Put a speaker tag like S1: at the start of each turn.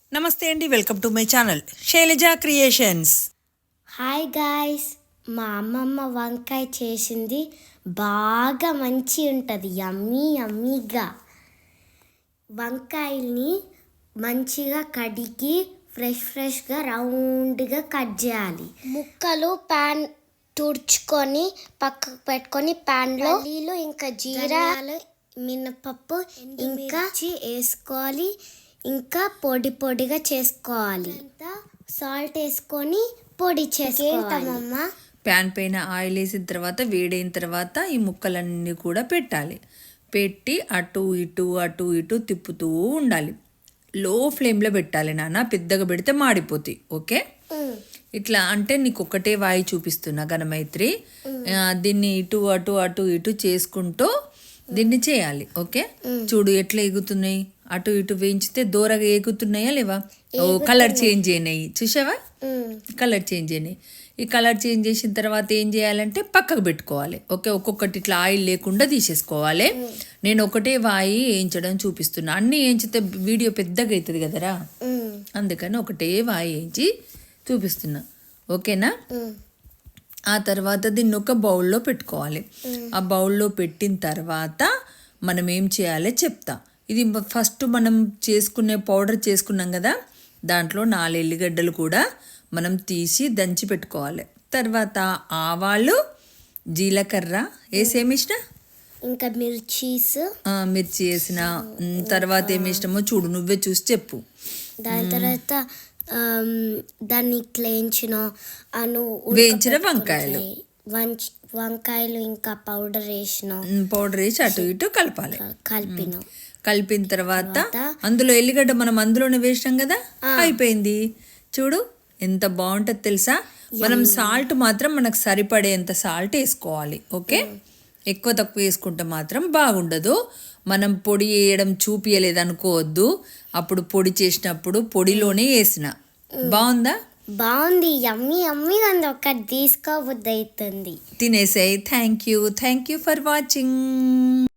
S1: నమస్తే అండి, welcome to my channel Shailaja creations.
S2: Hi guys, మా అమ్మమ్మ వంకాయ చేసింది బాగా మంచి ఉంటుంది, యమ్మీ యమ్మీగా. వంకాయల్ని మంచిగా కడిగి ఫ్రెష్గా రౌండ్గా కట్ చేయాలి. ముక్కలు ప్యాన్ తుడుచుకొని పక్కకు పెట్టుకొని ప్యాన్లో నీళ్ళు ఇంకా జీరా మినపప్పు ఇంకా వేసుకోవాలి. ఇంకా పొడిగా చేసుకోవాలి. సాల్ట్ వేసుకొని పొడి చేసుకోవాలమ్మా.
S1: ప్యాన్ పైన ఆయిల్ వేసిన తర్వాత వేడైన తర్వాత ఈ ముక్కలన్నీ కూడా పెట్టాలి. పెట్టి అటు ఇటు తిప్పుతూ ఉండాలి. లో ఫ్లేమ్లో పెట్టాలి నాన్న, పెద్దగా పెడితే మాడిపోతాయి. ఓకే, ఇట్లా అంటే నీకు ఒకటే వాయి చూపిస్తున్నా ఘనమైత్రి. దీన్ని ఇటు చేసుకుంటూ దీన్ని చేయాలి. ఓకే, చూడు ఎట్లా ఎగుతున్నాయి. అటు ఇటు వేయించితే దూరగా ఎగుతున్నాయా లేవా? ఓ కలర్ చేంజ్ అయినాయి, చూసావా? కలర్ చేంజ్ అయినాయి. ఈ కలర్ చేంజ్ చేసిన తర్వాత ఏం చేయాలంటే పక్కకు పెట్టుకోవాలి. ఓకే, ఒక్కొక్కటి ఇట్లా ఆయిల్ లేకుండా తీసేసుకోవాలి. నేను ఒకటే వాయి వేయించడం చూపిస్తున్నా. అన్నీ వేయించితే వీడియో పెద్దగా అవుతుంది కదరా, అందుకని ఒకటే వాయి వేయించి చూపిస్తున్నా. ఓకేనా? ఆ తర్వాత దీన్ని ఒక బౌల్లో పెట్టుకోవాలి. ఆ బౌల్లో పెట్టిన తర్వాత మనం ఏం చేయాలో చెప్తా. ఇది ఫస్ట్ మనం చేసుకునే పౌడర్ చేసుకున్నాం కదా, దాంట్లో 4 ఎల్లిగడ్డలు కూడా మనం తీసి దంచి పెట్టుకోవాలి. తర్వాత ఆవాలు, జీలకర్ర వేసేమిష్ట,
S2: ఇంకా
S1: మిర్చి వేసిన తర్వాత ఏమిష్టమో చూడు, నువ్వే చూసి చెప్పు.
S2: దాని తర్వాత దాన్ని
S1: వేయించిన
S2: వంకాయలు ఇంకా పౌడర్
S1: వేసి అటు ఇటు కలిపిన తర్వాత అందులో ఎల్లిగడ్డ మనం అందులోనే వేసినాం కదా, అయిపోయింది. చూడు ఎంత బాగుంటుంది తెలుసా. మనం సాల్ట్ మాత్రం మనకు సరిపడేంత సాల్ట్ వేసుకోవాలి. ఓకే, ఎక్కువ తక్కువ వేసుకుంటే మాత్రం బాగుండదు. మనం పొడి వేయడం చూపించలేదు అనుకోవద్దు. అప్పుడు పొడి చేసినప్పుడు పొడిలోనే వేసిన.
S2: బాగుంది, యమ్మీ అంది. ఒకటి తీసుకోబుద్ది అవుతుంది,
S1: తినేసాయి. Thank you for watching.